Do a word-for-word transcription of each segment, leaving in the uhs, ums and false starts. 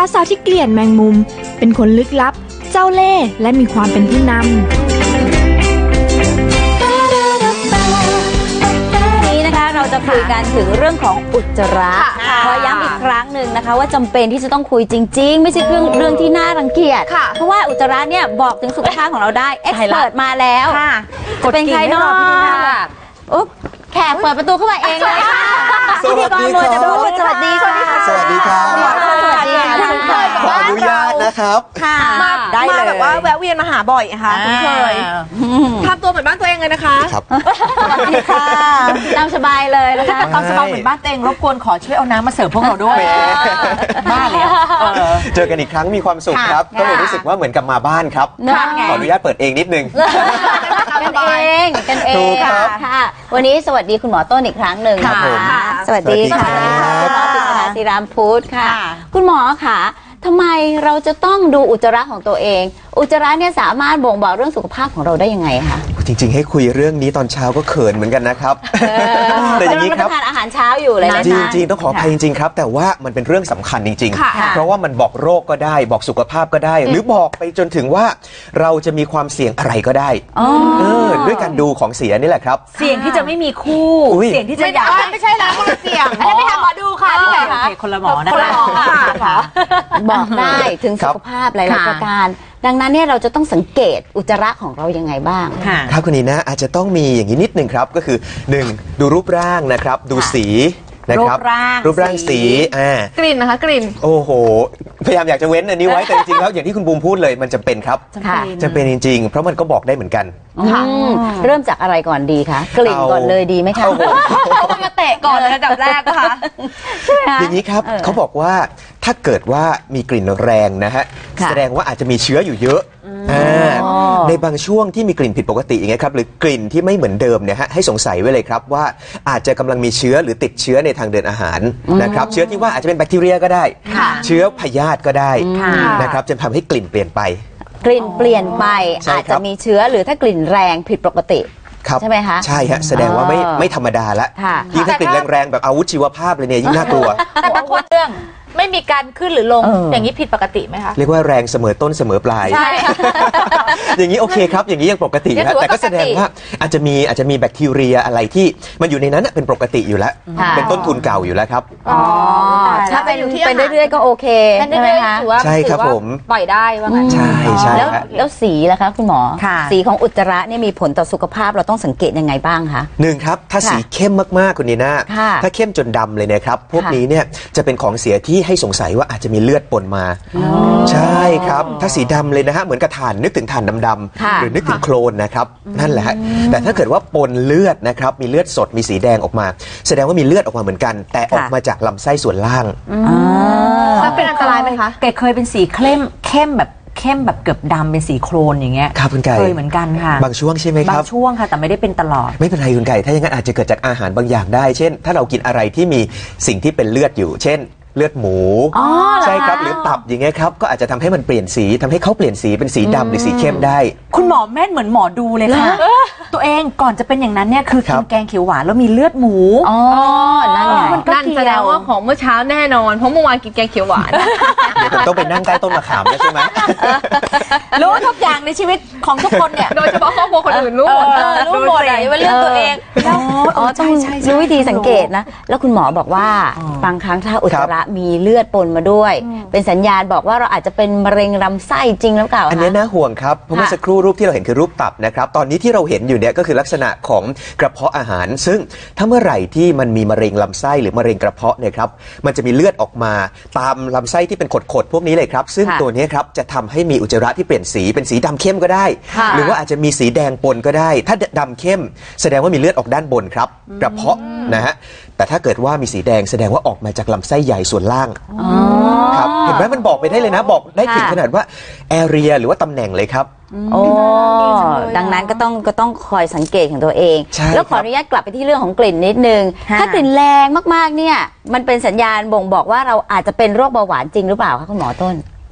สาวที่เกลียดแมงมุมเป็นคนลึกลับเจ้าเล่ห์และมีความเป็นผู้นำเราจะคุยกันถึงเรื่องของอุจจาระขอย้ำอีกครั้งหนึ่งนะคะว่าจำเป็นที่จะต้องคุยจริงๆไม่ใช่เรื่องเรื่องที่น่ารังเกียจเพราะว่าอุจจาระเนี่ยบอกถึงสุขภาพของเราได้เอ็กซ์เพิร์ทมาแล้วจะเป็นใครเนาะอุ๊บแขกเปิดประตูเข้ามาเองเลยค่ะสวัสดีครับสวัสดีค่ะสวัสดีครับสวัสดีค่ะขออนุญาตนะครับค่ะมาได้เลยแบบว่าแวะเวียนมาหาบ่อยค่ะคุ้นเคยทำตัวเหมือนบ้านตัวเองเลยนะคะครับสวัสดีค่ะตามสบายเลยแล้วถ้าตามสบายเหมือนบ้านตัวเองรบกวนขอช่วยเอาน้ำมาเสิร์ฟพวกเราด้วยบ้าเลยเจอกันอีกครั้งมีความสุขครับก็เลยรู้สึกว่าเหมือนกับมาบ้านครับขออนุญาตเปิดเองนิดนึงกันเองกันเองค่ะวันนี้สวัสดีคุณหมอต้นอีกครั้งหนึ่งค่ะสวัสดีค่ะคุณหมอติษฐาศิรามพุทธค่ะคุณหมอค่ะทำไมเราจะต้องดูอุจจาระของตัวเองอุจจาระเนี่ยสามารถบ่งบอกเรื่องสุขภาพของเราได้ยังไงคะจริงๆให้คุยเรื่องนี้ตอนเช้าก็เขินเหมือนกันนะครับแต่อย่างนี้ครับทานอาหารเช้าอยู่เลยนะจริงๆต้องขออภัยจริงๆครับแต่ว่ามันเป็นเรื่องสำคัญจริงๆเพราะว่ามันบอกโรคก็ได้บอกสุขภาพก็ได้หรือบอกไปจนถึงว่าเราจะมีความเสี่ยงอะไรก็ได้ด้วยการดูของเสียนี่แหละครับเสี่ยงที่จะไม่มีคู่เสี่ยงที่จะอยากไม่ใช่แล้วคนละเสี่ยงอันนี้ไปหาหมอดูค่ะที่ไหนคะคนละหมอนะคะบอกได้ถึงสุขภาพหลายๆประการดังนั้นเนี่ยเราจะต้องสังเกตอุจจาระของเรายังไงบ้างครับคุณนีนะอาจจะต้องมีอย่างนี้นิดหนึ่งครับก็คือหนึ่งดูรูปร่างนะครับดูสีนะครับรูปร่างสีอ่ากลิ่นนะคะกลิ่นโอ้โหพยายามอยากจะเว้นอันนี้ไว้แต่จริงๆแล้วอย่างที่คุณบูมพูดเลยมันจำเป็นครับจำเป็นจริงๆเพราะมันก็บอกได้เหมือนกันเริ่มจากอะไรก่อนดีคะกลิ่นก่อนเลยดีไหมคะเขามาเตะก่อนระดับแรกนะคะอย่างนี้ครับเขาบอกว่าถ้าเกิดว่ามีกลิ่นแรงนะฮะแสดงว่าอาจจะมีเชื้ออยู่เยอะในบางช่วงที่มีกลิ่นผิดปกติอย่างเงี้ยครับหรือกลิ่นที่ไม่เหมือนเดิมเนี่ยฮะให้สงสัยไว้เลยครับว่าอาจจะกำลังมีเชื้อหรือติดเชื้อในทางเดินอาหารนะครับเชื้อที่ว่าอาจจะเป็นแบคทีเรียก็ได้เชื้อพยาธิก็ได้นะครับจะทำให้กลิ่นเปลี่ยนไปกลิ่นเปลี่ยนไปอาจจะมีเชื้อหรือถ้ากลิ่นแรงผิดปกติใช่ไหมคะใช่ฮะแสดงว่าไม่ไม่ธรรมดาละยิ่งถ้ากลิ่นแรงๆแบบอาวุธชีวภาพเลยเนี่ยยิ่งน่ากลัวแต่บางคนเรื่องไม่มีการขึ้นหรือลงอย่างนี้ผิดปกติไหมคะเรียกว่าแรงเสมอต้นเสมอปลายใช่อย่างนี้โอเคครับอย่างนี้ยังปกตินะแต่ก็แสดงว่าอาจจะมีอาจจะมีแบคทีเรียอะไรที่มันอยู่ในนั้นเป็นปกติอยู่แล้วเป็นต้นทุนเก่าอยู่แล้วครับอ๋อถ้าเป็นเป็นเรื่อยๆก็โอเคใช่ไหมคะใช่ครับผมปล่อยได้ว่างั้นใช่ใช่แล้วแล้วสีล่ะคะคุณหมอสีของอุจจาระเนี่ยมีผลต่อสุขภาพเราต้องสังเกตยังไงบ้างคะหนึ่งครับถ้าสีเข้มมากๆคุณนีน่าถ้าเข้มจนดำเลยนะครับพวกนี้เนี่ยจะเป็นของเสียที่ให้สงสัยว่าอาจจะมีเลือดปนมาใช่ครับถ้าสีดำเลยนะฮะเหมือนกระถ่านนึกถึงถ่านดำๆหรือนึกถึงโคลนนะครับนั่นแหละฮะแต่ถ้าเกิดว่าปนเลือดนะครับมีเลือดสดมีสีแดงออกมาแสดงว่ามีเลือดออกมาเหมือนกันแต่ออกมาจากลำไส้ส่วนล่างแล้วเป็นอันตรายไหมคะแกเคยเป็นสีเข้มเข้มแบบเข้มแบบเกือบดำเป็นสีโครนอย่างเงี้ยครับคุณไก่เคยเหมือนกันค่ะบางช่วงใช่ไหมครับบางช่วงค่ะแต่ไม่ได้เป็นตลอดไม่เป็นไรคุณไก่ถ้าอย่างนั้นอาจจะเกิดจากอาหารบางอย่างได้เช่นถ้าเรากินอะไรที่มีสิ่งที่เป็นเลือดอยู่เช่นเลือดหมูใช่ครับหรือตับอย่างเงี้ยครับก็อาจจะทำให้มันเปลี่ยนสีทำให้เขาเปลี่ยนสีเป็นสีดำหรือสีเข้มได้คุณหมอแม่นเหมือนหมอดูเลยค่ะตัวเองก่อนจะเป็นอย่างนั้นเนี่ยคือกินแกงเขียวหวานแล้วมีเลือดหมูอ๋อนั่นไงนั่นแสดงว่าของเมื่อเช้าแน่นอนเพราะเมื่อวานกินแกงเขียวหวานเดี๋ยวผมต้องไปนั่งใต้ต้นมะขามแล้วใช่ไหมรู้ทุกอย่างในชีวิตของทุกคนเนี่ยโดยเฉพาะครอบครัวคนอื่นรู้หมดรู้หมดเลยว่าเรื่องตัวเองอ๋อต้องรู้วิธีสังเกตนะแล้วคุณหมอบอกว่าบางครั้งถ้าอุจจาระมีเลือดปนมาด้วยเป็นสัญญาณบอกว่าเราอาจจะเป็นมะเร็งลำไส้จริงหรือเปล่าอันนี้น่าห่วงครับเพราะเมื่อสักครู่รูปที่เราเห็นคือรูปตับนะครับตอนนี้ที่เราเห็นอยู่เนี่ยก็คือลักษณะของกระเพาะอาหารซึ่งถ้าเมื่อไหร่ที่มันมีมะเร็งลำไส้หรือมะเร็งกระเพาะเนี่ยครับมันจะมีเลือดออกมาตามลำไส้ที่เป็นขดๆพวกนี้เลยครับซึ่งตัวนี้ครับจะทำให้มีอุจจาระที่เปลี่ยนสีเป็นสีดำเข้มก็ได้หรือว่าอาจจะมีสีแดงปนก็ได้ถ้าดำเข้มแสดงว่ามีเลือดออกด้านบนครับกระเพาะนะฮะแต่ถ้าเกิดว่ามีสีแดงแสดงว่าออกมาจากลำไส้ใหญ่ส่วนล่างครับเห็นไหมมันบอกไปได้เลยนะบอกได้ถึงขนาดว่าแอเรียหรือว่าตำแหน่งเลยครับโอ้ดังนั้นก็ต้องก็ต้องคอยสังเกตของตัวเองแล้วขออนุญาตกลับไปที่เรื่องของกลิ่นนิดนึงถ้ากลิ่นแรงมากๆเนี่ยมันเป็นสัญญาณบ่งบอกว่าเราอาจจะเป็นโรคเบาหวานจริงหรือเปล่าคะคุณหมอต้น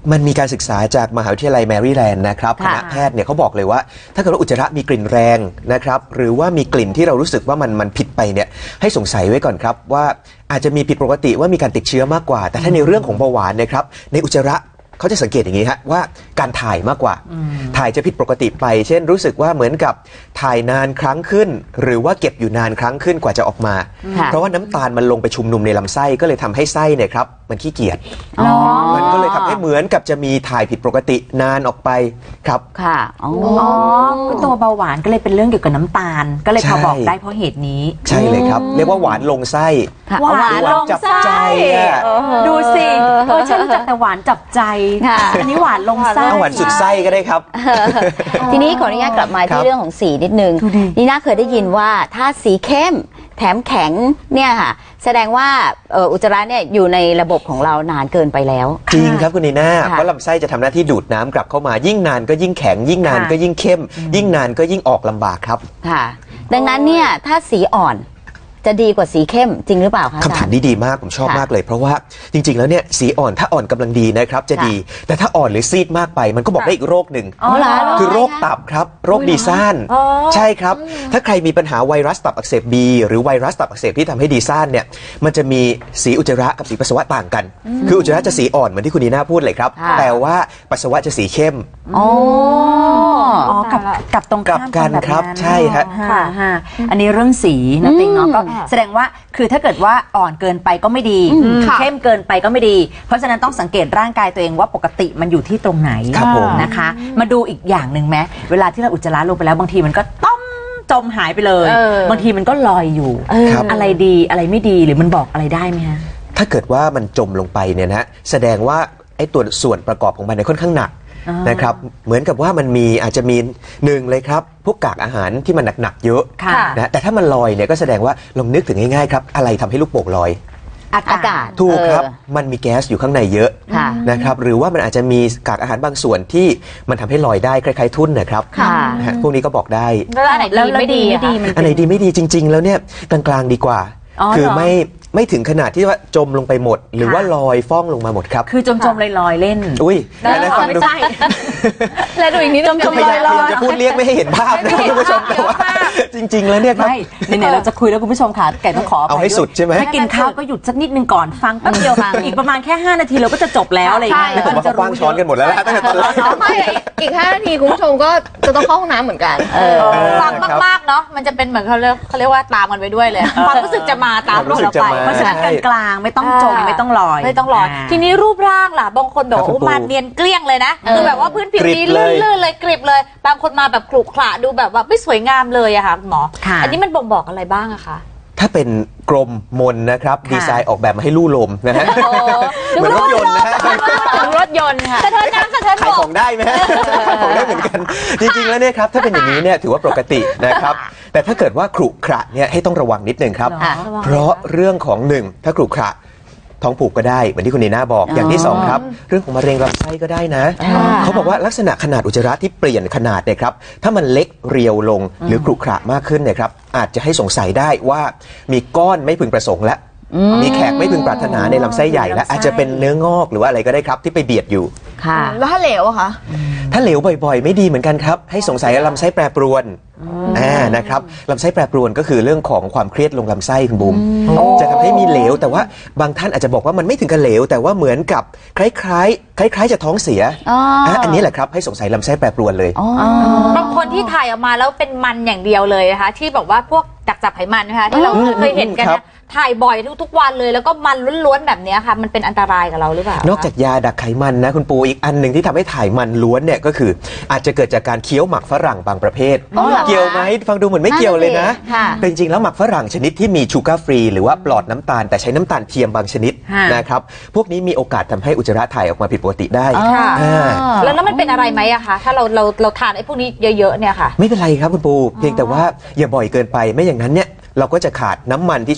มันมีการศึกษาจากมหาวิทยาลัยแมริแลนด์นะครับคณะแพทย์เนี่ยเขาบอกเลยว่าถ้าเกิดว่าอุจจาระมีกลิ่นแรงนะครับหรือว่ามีกลิ่นที่เรารู้สึกว่ามันมันผิดไปเนี่ยให้สงสัยไว้ก่อนครับว่าอาจจะมีผิดปกติว่ามีการติดเชื้อมากกว่าแต่ถ้าในเรื่องของเบาหวานนะครับในอุจจาระเขาจะสังเกตอย่างนี้ฮะว่าการถ่ายมากกว่าถ่ายจะผิดปกติไปเช่นรู้สึกว่าเหมือนกับถ่ายนานครั้งขึ้นหรือว่าเก็บอยู่นานครั้งขึ้นกว่าจะออกมาเพราะว่าน้ำตาลมันลงไปชุมนุมในลำไส้ก็เลยทำให้ไส้เนี่ยครับมันขี้เกียจมันก็เลยทำให้เหมือนกับจะมีถ่ายผิดปกตินานออกไปครับค่ะอ๋อตัวเบาหวานก็เลยเป็นเรื่องเกี่ยวกับน้ำตาลก็เลยพอบอกได้เพราะเหตุนี้ใช่เลยครับเรียกว่าหวานลงไส้หวานลงจับใจดูสิเออฉันรู้จักแต่หวานจับใจอันนี้หวานลงไส้หวานสุดไส้ก็ได้ครับทีนี้ขออนุญาตกลับมาที่เรื่องของสีนิดนึงนี่น่าเคยได้ยินว่าถ้าสีเข้มแถมแข็งเนี่ยค่ะแสดงว่าอุจจาระเนี่ยอยู่ในระบบของเรานานเกินไปแล้วจริงครับคุณนีน่าเพราะลำไส้จะทำหน้าที่ดูดน้ำกลับเข้ามายิ่งนานก็ยิ่งแข็งยิ่งนานก็ยิ่งเข้มยิ่งนานก็ยิ่งออกลำบากครับค่ะดังนั้นเนี่ยถ้าสีอ่อนจะดีกว่าสีเข้มจริงหรือเปล่าคะคำถามนี้ดีมากผมชอบมากเลยเพราะว่าจริงๆแล้วเนี่ยสีอ่อนถ้าอ่อนกำลังดีนะครับจะดีแต่ถ้าอ่อนหรือซีดมากไปมันก็บอกได้อีกโรคหนึ่งคือโรคตับครับโรคดีซ่านใช่ครับถ้าใครมีปัญหาไวรัสตับอักเสบบีหรือไวรัสตับอักเสบที่ทำให้ดีซ่านเนี่ยมันจะมีสีอุจจาระกับสีปัสสาวะต่างกันคืออุจจาระจะสีอ่อนเหมือนที่คุณนีน่าพูดเลยครับแต่ว่าปัสสาวะจะสีเข้มอ๋อกับกับตรงกับกันครับใช่ฮะอันนี้เรื่องสีนะติงเนาะก็แสดงว่าคือถ้าเกิดว่าอ่อนเกินไปก็ไม่ดีเข้มเกินไปก็ไม่ดีเพราะฉะนั้นต้องสังเกตร่างกายตัวเองว่าปกติมันอยู่ที่ตรงไหนนะคะมาดูอีกอย่างหนึ่งไหมเวลาที่เราอุจจาระลงไปแล้วบางทีมันก็ต้มจมหายไปเลยบางทีมันก็ลอยอยู่อะไรดีอะไรไม่ดีหรือมันบอกอะไรได้ไหมฮะถ้าเกิดว่ามันจมลงไปเนี่ยนะแสดงว่าไอ้ตัวส่วนประกอบของมันเนี่ยค่อนข้างหนักนะครับเหมือนกับว่ามันมีอาจจะมีหนึ่งเลยครับพวกกากอาหารที่มันหนักๆเยอะนะแต่ถ้ามันลอยเนี่ยก็แสดงว่าลองนึกถึงง่ายๆครับอะไรทำให้ลูกโป่งลอยอากาศถูกครับมันมีแก๊สอยู่ข้างในเยอะนะครับหรือว่ามันอาจจะมีกากอาหารบางส่วนที่มันทำให้ลอยได้คล้ายๆทุ่นนะครับพวกนี้ก็บอกได้แล้วอันไหนดีไม่ดีอันไหนดีไม่ดีจริงๆแล้วเนี่ยกลางๆดีกว่าคือไม่ไม่ถึงขนาดที่ว่าจมลงไปหมดหรือว่าลอยฟ้องลงมาหมดครับคือจมจมลอยๆเล่นอุ้ยแล้วฟังดูแล้วดูอีกนิดจมจมลอยๆจะพูดเรียกไม่ให้เห็นภาพนะคุณผู้ชมแต่ว่าจริงๆแล้วเนี่ยไม่ไหนๆเราจะคุยแล้วคุณผู้ชมค่ะไก่ต้องขอเอาให้สุดใช่ไหมถ้ากินข้าวก็หยุดสักนิดนึงก่อนฟังแป๊บเดียวอีกประมาณแค่ห้านาทีเราก็จะจบแล้วอะไรอย่างเงี้ยแล้วก็จะกว้างช้อนกันหมดแล้วตั้งแต่ตอนแรกไม่อีกห้านาทีคุณผู้ชมก็จะต้องเข้าห้องน้ำเหมือนกันฟังมากๆเนาะมันจะเป็นเหมือนเขาเรียกเขาเรียกว่าตามกันไปด้วยเลยความรู้สึกจะมาตามเราไปเพราะฉะนั้นกลางไม่ต้องจมไม่ต้องลอยไม่ต้องลอยทีนี้รูปร่างล่ะบางคนแบบโอ้มันเนียนเกลี้ยงเลยนะคือแบบว่าพื้นผิวนี้ลื่นๆเลยกริบเลยบางคนมาแบบขรุขระดูแบบว่าไม่สวยงามเลยอะค่ะหมออันนี้มันบ่งบอกอะไรบ้างอะคะถ้าเป็นกลมมนนะครับดีไซน์ออกแบบมาให้ลู่ลมนะฮะเหมือนรถยนต์นะฮะรถยนต์ค่ะสะเทินน้ำสะเทินขายของได้ไหมฮะขายของได้เหมือนกันจริงๆแล้วเนี่ยครับถ้าเป็นอย่างนี้เนี่ยถือว่าปกตินะครับแต่ถ้าเกิดว่าขรุขระเนี่ยให้ต้องระวังนิดนึงครับเพราะเรื่องของหนึ่งถ้าขรุขระท้องผูกก็ได้เหมือนที่คุณนีน่าบอกอย่างที่สองครับเรื่องของมะเร็งลำไส้ก็ได้นะเขาบอกว่าลักษณะขนาดอุจจาระที่เปลี่ยนขนาดเนี่ยครับถ้ามันเล็กเรียวลงหรือขรุขระมากขึ้นเนี่ยครับอาจจะให้สงสัยได้ว่ามีก้อนไม่พึงประสงค์และมีแขกไม่พึงปรารถนาในลำไส้ใหญ่และอาจจะเป็นเนื้องอกหรือว่าอะไรก็ได้ครับที่ไปเบียดอยู่ค่ะแล้วถ้าเหลวอะคะถ้าเหลวบ่อยๆไม่ดีเหมือนกันครับให้สงสัยลำไส้แปรปรวนอ่านะครับลำไส้แปรปรวนก็คือเรื่องของความเครียดลงลำไส้คุณบุ๋มจะทำให้มีเหลวแต่ว่าบางท่านอาจจะบอกว่ามันไม่ถึงกับเหลวแต่ว่าเหมือนกับคล้ายๆคล้ายๆจะท้องเสียอันนี้แหละครับให้สงสัยลำไส้แปรปรวนเลยบางคนที่ถ่ายออกมาแล้วเป็นมันอย่างเดียวเลยนะคะที่บอกว่าพวกดักจับไขมันนะคะที่เราเคยเห็นกันนะถ่ายบ่อยทุกๆวันเลยแล้วก็มันล้วนๆแบบนี้ค่ะมันเป็นอันตรายกับเราหรือเปล่านอกจากยาดักไขมันนะคุณปูอีกอันหนึ่งที่ทำให้ถ่ายมันล้วนเนี่ยก็คืออาจจะเกิดจากการเคี้ยวหมักฝรั่งบางประเภทเกี่ยวไหมฟังดูเหมือนไม่เกี่ยวเลยนะแต่จริงๆแล้วหมักฝรั่งชนิดที่มีชูการ์ฟรีหรือว่าปลอดน้ำตาลแต่ใช้น้ำตาลเทียมบางชนิดนะครับพวกนี้มีโอกาสทำให้อุจจาระถ่ายออกมาผิดปกติได้แล้วนั้นมันเป็นอะไรไหมอะคะถ้าเราเราเราทานไอ้พวกนี้เยอะๆเนี่ยค่ะไม่เป็นไรครับคุณปูเพียงแต่ว่าอย่าบ่อยเกินไปไม่อย่างนั้นเนี่ยเราก็จะขาดน้ำมันที่ช่วย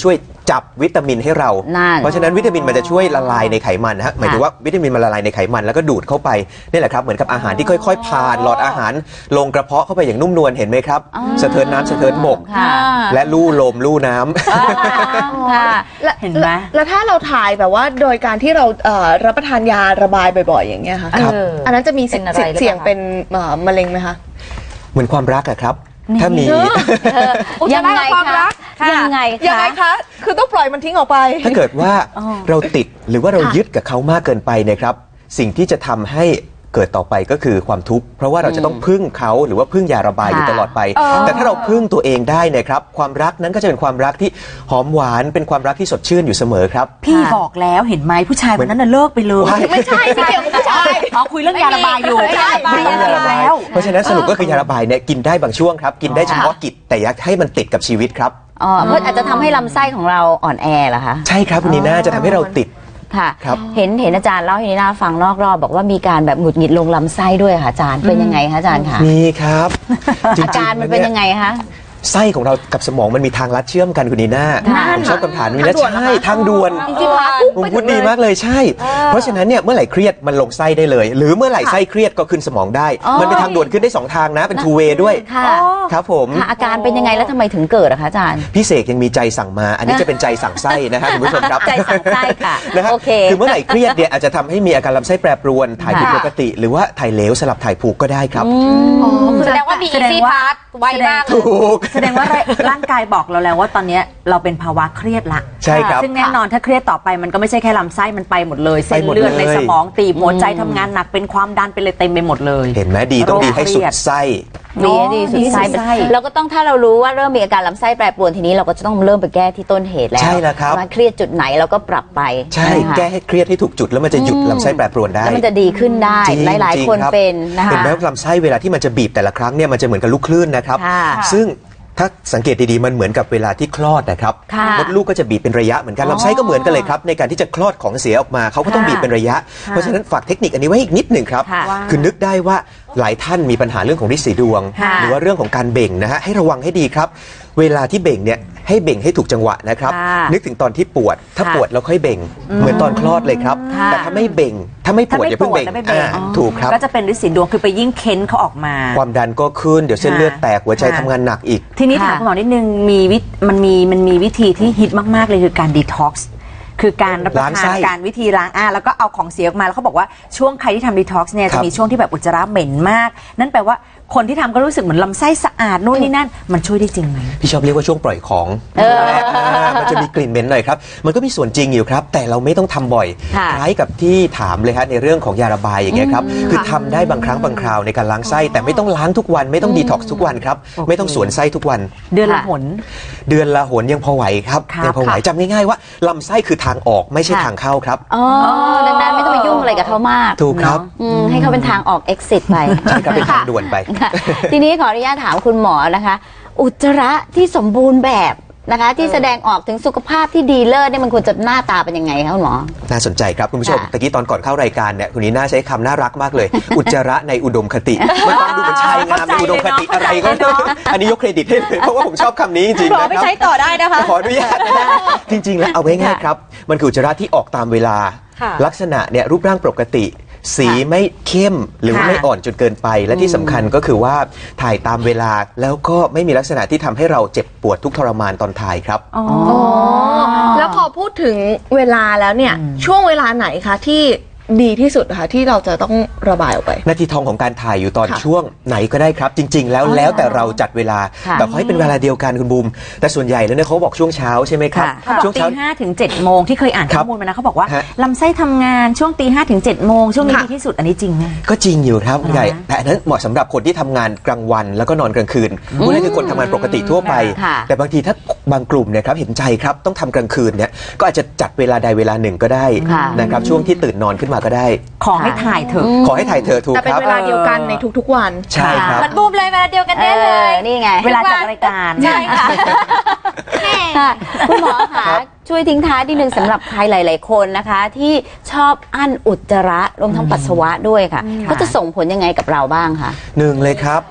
จับวิตามินให้เรา เพราะฉะนั้นวิตามินมันจะช่วยละลายในไขมันนะฮะหมายถึงว่าวิตามินมันละลายในไขมันแล้วก็ดูดเข้าไปนี่แหละครับเหมือนกับอาหารที่ค่อยๆผ่านหลอดอาหารลงกระเพาะเข้าไปอย่างนุ่มนวลเห็นไหมครับสะเทินน้ำสะเทินบกและลู่ลมลู่น้ำเห็นไหมแล้วถ้าเราถ่ายแบบว่าโดยการที่เรารับประทานยาระบายบ่อยๆอย่างเงี้ยค่ะอันนั้นจะมีสิทธิ์เสี่ยงเป็นมะเร็งไหมคะเหมือนความรักอะครับถ้ามียังไงคะยังไงคะยังไงคะคือต้องปล่อยมันทิ้งออกไปถ้าเกิดว่าเราติดหรือว่าเรายึดกับเขามากเกินไปนะครับสิ่งที่จะทำให้เกิดต่อไปก็คือความทุกข์เพราะว่าเราจะต้องพึ่งเขาหรือว่าพึ่งยาระบายอยู่ตลอดไปแต่ถ้าเราพึ่งตัวเองได้นะครับความรักนั้นก็จะเป็นความรักที่หอมหวานเป็นความรักที่สดชื่นอยู่เสมอครับพี่บอกแล้วเห็นไหมผู้ชายคนนั้นน่ะเลิกไปเลยไม่ใช่ไม่เกี่ยวกับผู้ชายอ๋อคุยเรื่องยาระบายอยู่ยาระบายแล้วเพราะฉะนั้นสรุปก็คือยาระบายเนี่ยกินได้บางช่วงครับกินได้เฉพาะกิจแต่อยากให้มันติดกับชีวิตครับอ๋อเพื่ออาจจะทำให้ลำไส้ของเราอ่อนแอเหรอคะใช่ครับคุณนีน่าจะทำให้เราติดค่ะเห็นเห็นอาจารย์เล่าให้นีน่าฟังนอกรอบบอกว่ามีการแบบหงุดหงิดลงลำไส้ด้วยค่ะอาจารย์เป็นยังไงคะอาจารย์คะมีครับอาการมันเป็นยังไงคะไส้ของเรากับสมองมันมีทางลัดเชื่อมกันคุณนีน่าผมชอบคำถามนี้นะใช่ทางด่วนผมพูดดีมากเลยใช่เพราะฉะนั้นเนี่ยเมื่อไหร่เครียดมันลงไส้ได้เลยหรือเมื่อไหร่ไส้เครียดก็ขึ้นสมองได้มันเป็นทางด่วนขึ้นได้สองทางนะเป็นทูเวย์ด้วยครับผมอาการเป็นยังไงแล้วทำไมถึงเกิดอะคะอาจารย์พี่เสกยังมีใจสั่งมาอันนี้จะเป็นใจสั่งไส้นะครับคุณผู้ชมครับใจสั่งไส้ค่ะนะครับคือเมื่อไหร่เครียดเนี่ยอาจจะทำให้มีอาการลำไส้แปรปรวนถ่ายผิดปกติหรือว่าถ่ายเหลวสลับถ่ายผูกก็ได้ครับแสดงว่ามีซีพาร์ทไวมากถูกแสดงว่าร่างกายบอกเราแล้วว่าตอนนี้เราเป็นภาวะเครียดละใช่ครับซึ่งแน่นอนถ้าเครียดต่อไปมันก็ไม่ใช่แค่ลำไส้มันไปหมดเลยเส้นเลือดในสมองตีบหัวใจทำงานหนักเป็นความดันไปเลยเต็มไปหมดเลยเห็นไหมดีต้องดีให้สุดไส้ดีดีสุดไส้เราก็ต้องถ้าเรารู้ว่าเริ่มมีอาการลำไส้แปรปรวนทีนี้เราก็จะต้องเริ่มไปแก้ที่ต้นเหตุแล้วใช่แล้วครับมาเครียดจุดไหนเราก็ปรับไปใช่แก้ให้เครียดให้ถูกจุดแล้วมันจะหยุดลำไส้แปรปรวนได้แล้วมันจะดีขึ้นได้หลายๆคนเป็นนะคะเห็นไหมลำไส้เวลาที่มันจะบีบแต่ละครั้งเนี่ยมันจะเหมือนกับลูกคลื่นนะครับซึ่งถ้าสังเกตดีๆมันเหมือนกับเวลาที่คลอดนะครับมดลูกก็จะบีบเป็นระยะเหมือนกันลำไส้ก็เหมือนกันเลยครับในการที่จะคลอดของเสียออกมาเขาก็ต้องบีบเป็นระยะเพราะฉะนั้นฝากเทคนิคอันนี้ไว้อีกนิดหนึ่งครับคือนึกได้ว่าหลายท่านมีปัญหาเรื่องของฤทธิ์สีดวงหรือว่าเรื่องของการเบ่งนะฮะให้ระวังให้ดีครับเวลาที่เบ่งเนี่ยให้เบ่งให้ถูกจังหวะนะครับนึกถึงตอนที่ปวดถ้าปวดแล้วค่อยเบ่งเหมือนตอนคลอดเลยครับแต่ถ้าไม่เบ่งถ้าไม่ปวดอย่าเพิ่งเบ่งถูกครับก็จะเป็นฤทธิ์สีดวงคือไปยิ่งเค้นเขาออกมาความดันก็ขึ้นเดี๋ยวเส้นเลือดแตกหัวใจทำงานหนักอีกทีนี้ถามคุณหมอนิดนึงมีวิมันมีมันมีวิธีที่ฮิตมากๆเลยคือการดีท็อกซ์คือการรับประทานการวิธีล้างอ่าแล้วก็เอาของเสียออกมาแล้วเขาบอกว่าช่วงใครที่ทำดีท็อกซ์เนี่ยจะมีช่วงที่แบบอุจจาระเหม็นมากนั่นแปลว่าคนที่ทำก็รู้สึกเหมือนลำไส้สะอาดนู่นนี่นั่นมันช่วยได้จริงไหมพี่ชอบเรียกว่าช่วงปล่อยของมันจะมีกลิ่นเหม็นหน่อยครับมันก็มีส่วนจริงอยู่ครับแต่เราไม่ต้องทำบ่อยคล้ายกับที่ถามเลยครับในเรื่องของยาระบายอย่างเงี้ยครับคือทำได้บางครั้งบางคราวในการล้างไส้แต่ไม่ต้องล้างทุกวันไม่ต้องดีท็อกซ์ทุกวันครับไม่ต้องสวนไส้ทุกวันเดือนละหนเดือนละหนยังพอไหวครับยังพอไหวจำง่ายๆว่าลำไส้คือทางออกไม่ใช่ทางเข้าครับอ๋อดังนั้นไม่ต้องไปยุ่งอะไรกับเขามากถูกครับให้เขาเป็นทางออก exit ไปใช่ครับเป็นทางด่วนไปทีนี้ขออนุญาตถามคุณหมอนะคะอุจจาระที่สมบูรณ์แบบนะคะที่แสดงออกถึงสุขภาพที่ดีเลิศเนี่ยมันควรจะหน้าตาเป็นยังไงคะคุณหมอน่าสนใจครับคุณผู้ชมตะกี้ตอนก่อนเข้ารายการเนี่ยคุณนีน่าใช้คำน่ารักมากเลย อุจจาระในอุดมคติมันฟังดูเหมือนชายงามในอุดมคติอะไรก็อันนี้ยกเครดิตให้เลยเพราะว่าผมชอบคำนี้จริงๆนะครับไปใช้ต่อได้นะคะขออนุญาตนะจริงๆแล้วเอาไว้ง่ายครับมันคืออุจจาระที่ออกตามเวลาลักษณะเนี่ยรูปร่างปกติสีไม่เข้มหรือไม่อ่อนจนเกินไปและที่สำคัญก็คือว่าถ่ายตามเวลาแล้วก็ไม่มีลักษณะที่ทำให้เราเจ็บปวดทุกทรมานตอนถ่ายครับอ๋อแล้วพอพูดถึงเวลาแล้วเนี่ยช่วงเวลาไหนคะที่ดีที่สุดค่ะที่เราจะต้องระบายออกไปนาทีทองของการถ่ายอยู่ตอนช่วงไหนก็ได้ครับจริงๆแล้วแล้วแต่เราจัดเวลาแต่ขอให้เป็นเวลาเดียวกันคุณบูมแต่ส่วนใหญ่แล้วเนี่ยเขาบอกช่วงเช้าใช่ไหมครับช่วงตีห้าถึงเจ็ดโมงที่เคยอ่านข้อมูลมานะเขาบอกว่าลำไส้ทำงานช่วงตีห้าถึงเจ็ดโมงช่วงนี้ดีที่สุดอันนี้จริงไหมก็จริงอยู่ครับใหญ่แต่อันนั้นเหมาะสำหรับคนที่ทำงานกลางวันแล้วก็นอนกลางคืนพวกนั้นคือคนทำงานปกติทั่วไปแต่บางทีถ้าบางกลุ่มเนี่ยครับเห็นใจครับต้องทำกลางคืนเนี่ยก็อาจจะจัดเวลาใดเวลาหนึ่งก็ได้นะครับช่วงที่ตื่นนอนขึ้นมาก็ได้ขอให้ถ่ายเถอะขอให้ถ่ายเถอะถูกครับแต่เป็นเวลาเดียวกันในทุกๆวันใช่ครับมันบูมเลยเวลาเดียวกันได้เลยนี่ไงเวลาจัดรายการใช่ค่ะคุณหมอคะช่วยทิ้งท้ายนิดนึงสำหรับใครหลายๆคนนะคะที่ชอบอั้นอุจจาระรวมทั้งปัสสาวะด้วยค่ะก็จะส่งผลยังไงกับเราบ้างคะหนึ่งเลยครับ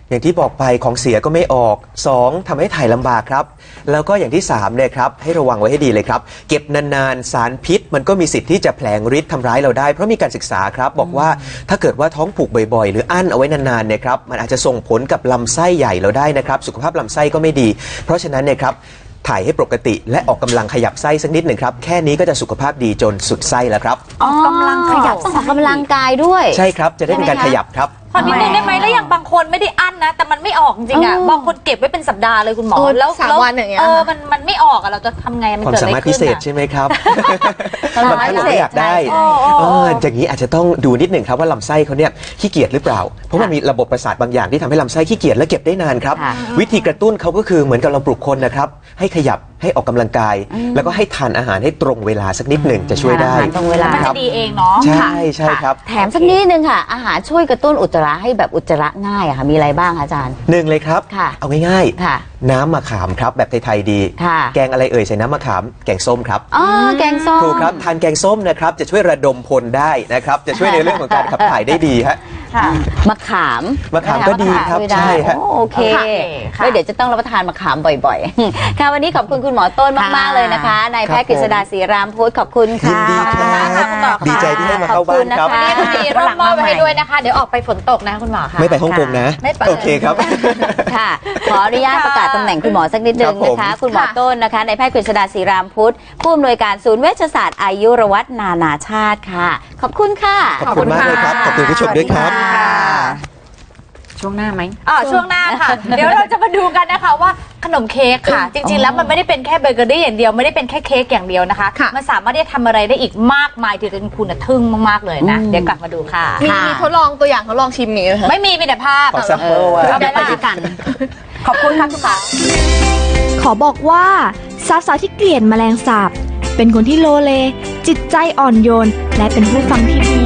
อย่างที่บอกไปของเสียก็ไม่ออกสองทำให้ถ่ายลำบากครับแล้วก็อย่างที่สามเนี่ยครับให้ระวังไว้ให้ดีเลยครับเก็บนานๆสารพิษมันก็มีสิทธิ์ที่จะแผลงฤทธิ์ทำร้ายเราได้เพราะมีการศึกษาครับบอกว่าถ้าเกิดว่าท้องผูกบ่อยๆหรืออั้นเอาไว้นานๆเนี่ยครับมันอาจจะส่งผลกับลำไส้ใหญ่เราได้นะครับสุขภาพลำไส้ก็ไม่ดีเพราะฉะนั้นเนี่ยครับถ่ายให้ปกติและออกกำลังขยับไส้สักนิดหนึ่งครับแค่นี้ก็จะสุขภาพดีจนสุดไส้แล้วครับออกกำลังขยับต้องออกกำลังกายด้วยใช่ครับจะได้เป็นการขยับครับพอนิดนึงได้ไหมแล้วอย่างบางคนไม่ได้อั้นนะแต่มันไม่ออกจริงๆอ่ะบางคนเก็บไว้เป็นสัปดาห์เลยคุณหมอแล้วสามวันอย่างเงี้ยเออมันมันไม่ออกอ่ะเราจะทำไงมันความสามารถพิเศษใช่ไหมครับบางท่านก็อยากได้อย่างนี้อาจจะต้องดูนิดหนึ่งครับว่าลำไส้เขาเนี่ยขี้เกียจหรือเปล่าเพราะมันมีระบบประสาทบางอย่างที่ทำให้ลำไส้ขี้เกียจและเก็บได้นานครับวิธีกระตุ้นเขาก็คือเหมือนกับเราปลุกคนนะครับให้ขยับให้ออกกำลังกายแล้วก็ให้ทานอาหารให้ตรงเวลาสักนิดหนึ่งจะช่วยได้ตรงเวลามันจะดีเองเนาะใช่ใช่ครับแถมสักนิดนึงค่ะอาหารช่วยกระตุ้นอุจจาระให้แบบอุจจาระง่ายอะค่ะมีอะไรบ้างอาจารย์หนึ่งเลยครับเอาง่ายๆน้ำมะขามครับแบบไทยๆดีแกงอะไรเอ่ยใส่น้ำมะขามแกงส้มครับอ๋อแกงส้มถูกครับทานแกงส้มนะครับจะช่วยระดมพลได้นะครับจะช่วยในเรื่องของการขับถ่ายได้ดีฮะมะขามมะขามก็ดีครับใช่ฮะโอเคเดี๋ยวจะต้องรับประทานมะขามบ่อยๆค่ะวันนี้ขอบคุณคุณหมอต้นมากๆเลยนะคะนายแพทย์กฤษดาศรีรามพุทธขอบคุณค่ะยินดีครับดีใจที่ได้มาเข้าบ้านครับวันนี้ก็มีร่มมอบไว้ให้ด้วยนะคะเดี๋ยวออกไปฝนตกนะคุณหมอค่ะไม่ไปฮ่องกงนะโอเคครับค่ะขออนุญาตประกาศตำแหน่งคุณหมอสักนิดนึงนะคะคุณหมอต้นนะคะนายแพทย์กฤษดาศรีรามพุทธผู้อำนวยการศูนย์เวชศาสตร์อายุรวัฒนานาชาติค่ะขอบคุณค่ะขอบคุณมากเลยครับขอบคุณผู้ชมด้วยครับช่วงหน้าไหมอ๋อช่วงหน้าค่ะเดี๋ยวเราจะมาดูกันนะคะว่าขนมเค้กค่ะจริงๆแล้วมันไม่ได้เป็นแค่เบเกอรี่อย่างเดียวไม่ได้เป็นแค่เค้กอย่างเดียวนะคะมันสามารถที่จะทำอะไรได้อีกมากมายที่จนคุณทึ่งมากๆเลยนะเดี๋ยวกลับมาดูค่ะมีมีทดลองตัวอย่างทดลองชิมนี้ไหมไม่มีมีแต่ภาพขอสักเออเอาไปด้วยกันขอบคุณค่ะคุณหมอขอบอกว่าสาวๆที่เกลียดแมลงสาบเป็นคนที่โลเลจิตใจอ่อนโยนและเป็นผู้ฟังที่ดี